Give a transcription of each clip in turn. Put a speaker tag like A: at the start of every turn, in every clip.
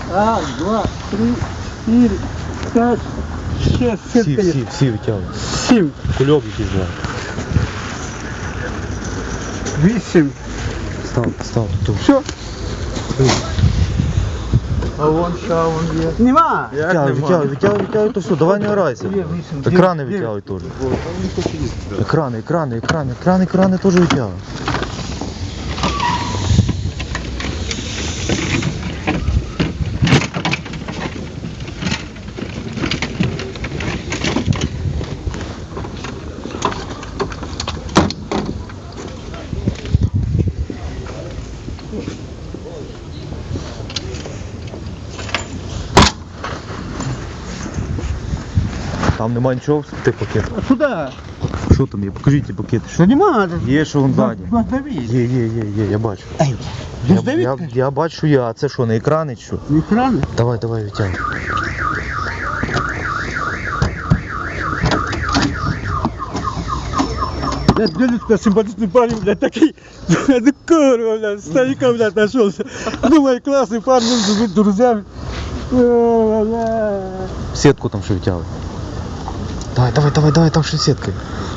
A: Раз, два, три, четыре, пять, шесть, семь.
B: Всі витягуй.
A: 7,
B: Кульок якийсь два.
A: 8.
B: Став. Тут.
A: Все.
C: А вон ще, вон є.
A: Нема.
B: Витягуй, то все, давай не грайся.
A: Є, 8,
B: Екрани
A: 9.
B: витягуй теж. Екрани теж витягуй. Там нема нічого в тих пакетах.
A: А куда?
B: Що там є? Покажіть ті пакети.
A: Что нема?
B: Є, що вон ззаді.
A: Давид.
B: Є, я бачу.
A: Ай,
B: Я бачу, а це що, на екрані чи що?
A: экраны?
B: Давай, витягуй.
A: Блядь, Леночка, симпатичный парень, блядь, такой, ну курва, блядь, старика, блядь, нашелся. Думаю, классный парень, нужно быть друзьями.
B: Сітку там ще витягуй. Давай, там ще сітка.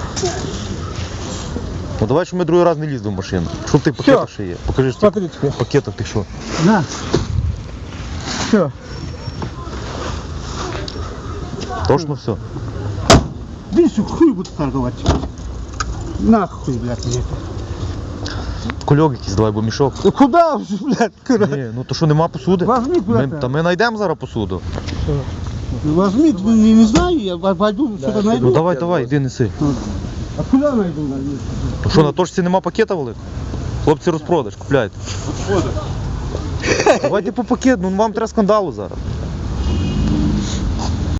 B: Ну давай, щоб ми другий раз не лізли в машину. Що в тих пакетах ще є? Покажи, що
A: Смотри,
B: в пакетах ти що?
A: на. Все.
B: Точно все?
A: Видишь, хуй буду торговать. Нахуй, блядь, мне это.
B: Кульок якийсь, давай, бо мішок.
A: Ну куда уже, блядь, куда?
B: Ні, ну то що, нема посуди?
A: Возьми куда-то.
B: Та ми знайдемо зараз посуду.
A: Ну, возьми, не знаю, я пойду что-то найду.
B: Ну давай, іди неси.
A: А куда найду?
B: То що, на точці нема пакета великого? Хлопці, розпродаж, купляйте. Давайте по пакету, ну вам треба скандалу зараз.